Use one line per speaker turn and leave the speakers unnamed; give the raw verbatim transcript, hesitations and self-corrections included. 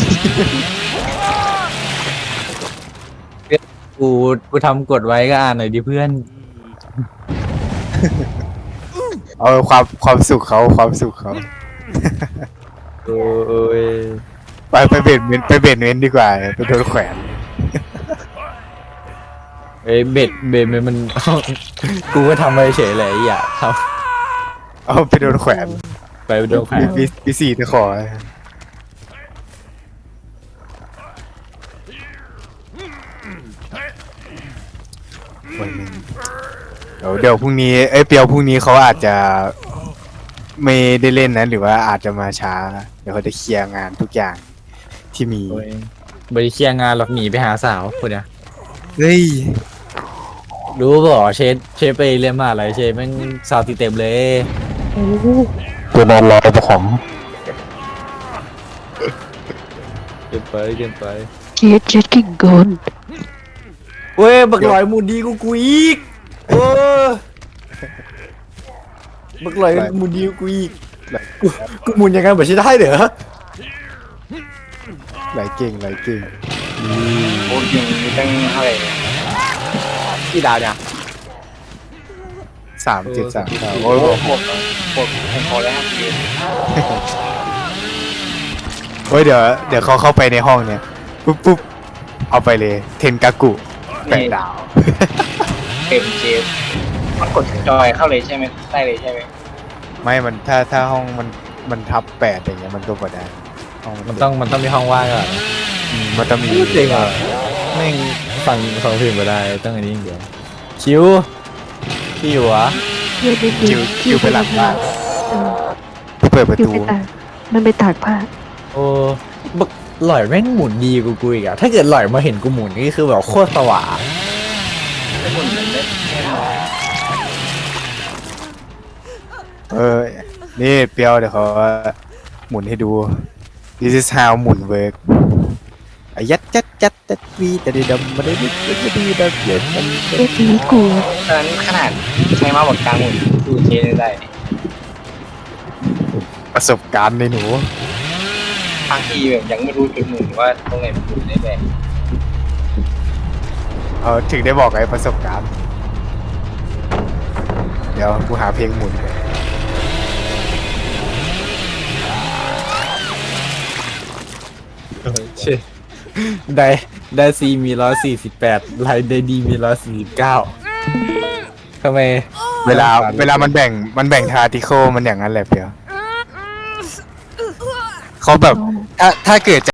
กูกูทำกดไว้ก็อ่านหน่อยดิเพื่อน
เอาความความสุขเขาความสุขเขา
โอ้ย
ไปไปเบ็ดเมนไปเบ็ดเมนดีกว่าไปโดนแขวน
เอ้ยเบ็ดเบ็ดมันมัน กูก็ทำไปเฉยเลยอย่าท
เอาไปโดนแขวน
ำไปโดนแขวน
ปีปีสี่ตะขอวันหนึ่งเดี๋ยวเดี๋ยวพรุ่งนี้เอ้ยเปียวพรุ่งนี้เขาอาจจะไม่ได้เล่นนะหรือว่าอาจจะมาช้าเดี๋ยวเขาจะเคลียร์งานทุกอย่างที่มี
โอ้ยบริเคลียร์งานหรอกหนีไปหาสาวคนเนี้ย
เฮ้ย
รู้บ่เชฟเชฟไปเรียนมหาอะไรเชฟแม่งสาวตีเต็มเลย
ตัวนอนรอเจ้าของ
เกินไปเกินไป
เจ็ดเจ็ดกิ่งกน
เว้ยบักลอยมูดีกูกูอีกโอ้บักลอยมูดีกูอีกกูกูหมุนยังไงแบบใช่ได้เหรอ
ไหลเก่งไหลเก่ง
โอ้ยยังมีตั้งเท่าไหร่เนี่ย
กี่ดาวเนี่ย
สามเจ็ดสามครับ
โอ้
โอ้
ย
ย
พวกพวกผมพอแล้วครับพี่
โอ้ยเดี๋ยวเดี๋ยวเขาเข้าไปในห้องเนี่ยปุ๊บปุ๊บเอาไปเลยเทนกากุแปดดาว
เต็มเจฟมันกดจอยเข้าเลยใช่ไหมได้เลยใช่ไหม
ไม่มันถ้าถ้าห้องมันมันทับแปดอย่างเงี้ยมันก็บ่ได้ห้อง
มันต้องมันต้องมีห้องว่างก่อน
อืมมันจะมี
จริงเหรอแม่งฟังฟังเพลงไปได้ต้องอันนี้อย่างเดียวคิวพี่อยู่วะ
เดี๋ยวนิด
คิวคิวไปหลังบ้าน
เออ
เปิดประ
คิว
ตู
ไปตากมันไปตากผ้า
โอ้บักหล่อยแม่งหมุนดีกูกูอีกอะถ้าเกิดหล่อยมาเห็นกูหมุนนี่คือแบบโคตรสว่าง
เออนี่เปียวเดี๋ยวเขาหมุนให้ดู this is how หมุนเวิร์กอายัดจัดจัดจัดวีแต่ดีดำมาได้ดีดีดีดำเย็นมัน
เอ็ดนี้กู
ตอนนั้นขนาดใช้มาบอกกลางหมุนดูเจได้
ประสบการณ์ในหนู
บางทีแบบยังไม่รู้จุดหมุนว่าตรงไหนมันหมุนได้เลย
เขาถึงได้บอกไอ้ประสบการณ์ เดี๋ยวกูหาเพลงหมุนก่อน
เช่ได้ได้ซีมีร้อยสี่สิบแปดไลน์ได้ดีมีร้อยสี่สิบเก้าทำไม
เวลาเวลามันแบ่งมันแบ่งทาร์ติโคมันอย่างนั้นแหละเปียวเขาแบบถ้าถ้าเกิด